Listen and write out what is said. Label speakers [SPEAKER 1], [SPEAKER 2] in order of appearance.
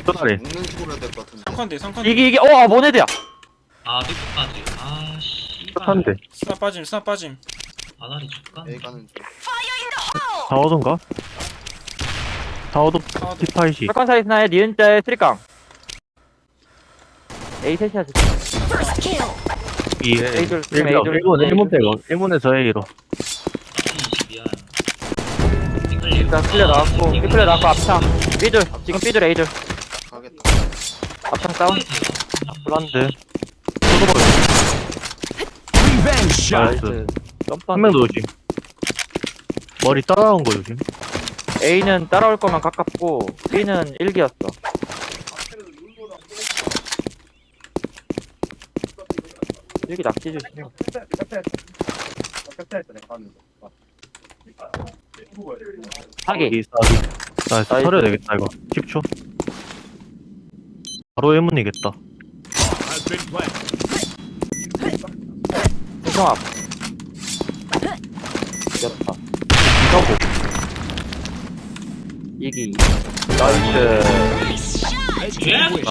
[SPEAKER 1] 또다리.
[SPEAKER 2] 먹는 식으로 해야 될 것 같은데.
[SPEAKER 3] 상컨대 상컨대.
[SPEAKER 4] 이게 모네드야.
[SPEAKER 5] 아 삐끗까지. 아 씨발.
[SPEAKER 1] 똑한데.
[SPEAKER 3] 스나 빠짐 스나 빠짐.
[SPEAKER 5] 아다리 죽간.
[SPEAKER 2] A 가는 중.
[SPEAKER 1] 다 오던가? 다 오도
[SPEAKER 3] 아, 네.
[SPEAKER 1] 디파이시.
[SPEAKER 4] 철권 사이스나의 니은자의 쓰리깡. A 셋이야.
[SPEAKER 1] 이
[SPEAKER 4] A줄, 지금 A줄.
[SPEAKER 1] 1문 빼고 1문에서 A로.
[SPEAKER 5] 22야.
[SPEAKER 4] 일단 클리어 나왔고, 클리어 나왔고, 앞창. B줄, 지금 B줄, A줄.
[SPEAKER 2] 가겠다.
[SPEAKER 4] 앞창 다운.
[SPEAKER 1] 불안데. 나이스. 한
[SPEAKER 4] 점프.
[SPEAKER 1] 명 더 조심. 머리 따라온 거 조심.
[SPEAKER 4] A는 따라올 거면 가깝고, B는 1기였어. 여기 낙지 조심. 하기.
[SPEAKER 1] 이 사기. 나이스.
[SPEAKER 4] 나이스.
[SPEAKER 1] 털어야 되겠다 이거. 10초. 바로 1문이겠다.
[SPEAKER 4] 신성 앞. 이겼다. 이기. 나이스.
[SPEAKER 5] 예?